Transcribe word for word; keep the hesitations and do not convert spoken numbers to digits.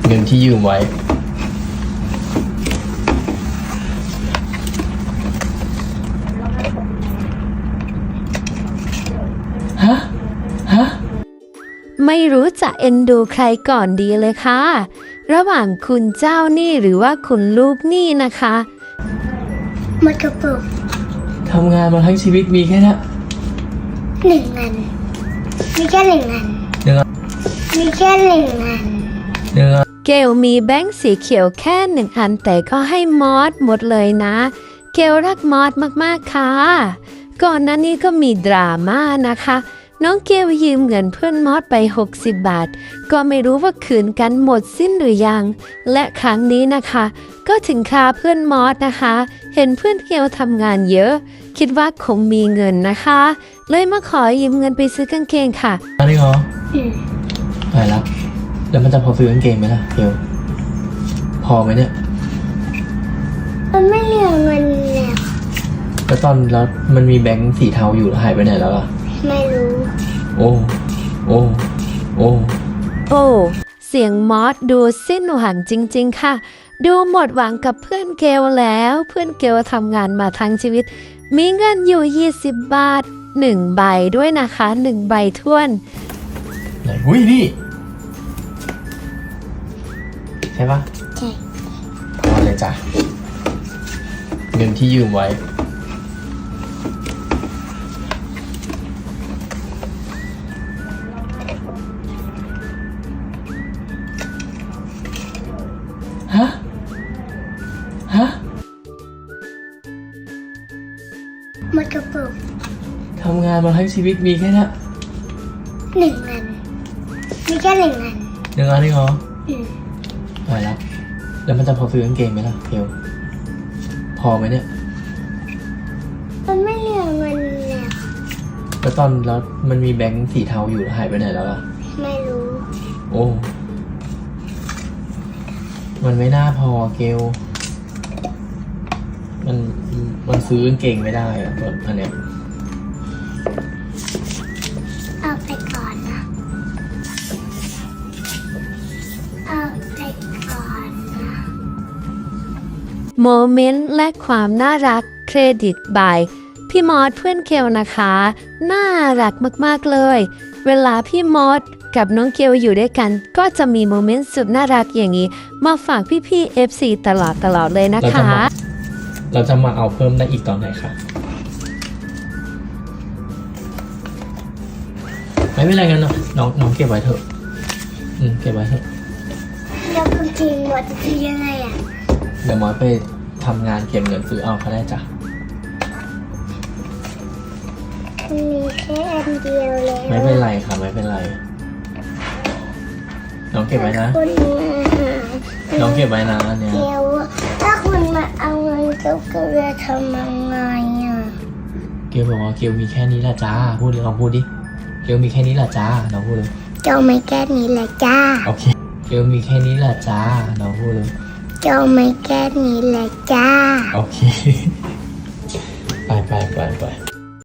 เงินที่ยืมไว้ฮะฮะไม่รู้จะเอ็นดูใครก่อนดีเลยค่ะระหว่างคุณเจ้าหนี้หรือว่าคุณลูกหนี้นะคะหมดกระปุกทำงานมาทั้งชีวิตมีแค่นี้หนึ่งอันมีแค่หนึ่งอันหนึ่งอันมีแค่หนึ่งอันหนึ่งอันเกลมีแบงค์สีเขียวแค่หนึ่งอันแต่ก็ให้มอสหมดเลยนะเกลรักมอสมากๆค่ะก่อนหน้านี้ก็มีดราม่านะคะน้องเกลยืมเงินเพื่อนมอสไปหกสิบบาทก็ไม่รู้ว่าคืนกันหมดสิ้นหรือยังและครั้งนี้นะคะก็ถึงคราเพื่อนมอสนะคะเห็นเพื่อนเกลทำงานเยอะคิดว่าคงมีเงินนะคะเลยมาขอยืมเงินไปซื้อกางเกงค่ะอันนี้เหรอไปแล้วแล้วมันจะพอซื้อกางเกงไหมล่ะเกลพอไหมเนี่ยมันไม่เหลือเงินแล้วแล้วตอนแล้วมันมีแบงค์สีเทาอยู่หายไปไหนแล้วล่ะไม่รู้โอ้โอ้โอ้โอ้เสียงมอสดูสิ้นหวังจริงๆค่ะดูหมดหวังกับเพื่อนเกลแล้วเพื่อนเกลทำงานมาทั้งชีวิตมีเงินอยู่ยี่สิบบาทหนึ่งใบด้วยนะคะหนึ่งใบท้วนไหนอุ้ยนี่ใช่ปะใช่พอเลยจ้ะเงินที่ยืมไว้ฮะฮะหมดกระปุกทำงานมาทั้งชีวิตมีแค่นี้หนึ่งอันมีแค่หนึ่งอันหนึ่งอันนี่เหรอไปแล้วแล้วมันจะพอซื้อกางเกงไหมล่ะเกลพอไหมเนี่ยมันไม่เหลือเงินแล้วแล้วตอนแล้วมันมีแบงค์สีเทาอยู่หายไปไหนแล้วล่ะไม่รู้โอ้มันไม่น่าพอเกลมันมันซื้อกางเกงไม่ได้อะตัวอันเนี้ยเอาไปก่อนนะเอาไปก่อนนะโมเมนต์และความน่ารักเครดิตบายพี่มอสเพื่อนเกลนะคะน่ารักมากๆเลยเวลาพี่มอสกับน้องเกลอยู่ด้วยกันก็จะมีโมเมนต์สุดน่ารักอย่างนี้มาฝากพี่ๆ เอฟ ซี ตลอดตลอดเลยนะคะเราจะมาเอาเพิ่มได้อีกตอนไหนคะไม่เป็นไรกันเนาะน้องน้องเก็บไว้เถอะอืมเก็บไว้เถอะแล้วคุณจริงหมดจะทำยังไงอ่ะเดี๋ยวมอสไปทำงานเก็บเงินซื้อเอาเขาได้จ้ะมันมีแค่อันเดียวแล้วไม่เป็นไรค่ะไม่เป็นไรน้องเก็บไว้นะน้องเก็บไว้นะเนี่ยเดี๋ยวถ้าคุณมาเอาเงินเกลจะทำยังไงอ่ะเกลบอกว่าเกลมีแค่นี้แหละจ้าพูดดิลองพูดดิเกลมีแค่นี้แหละจ้าน้องพูดเลยเกลไม่แค่นี้แหละจ้าโอเคเกลมีแค่นี้แหละจ้าน้องพูดเลยเกลไม่แค่นี้แหละจ้าโอเคไปไปไปไป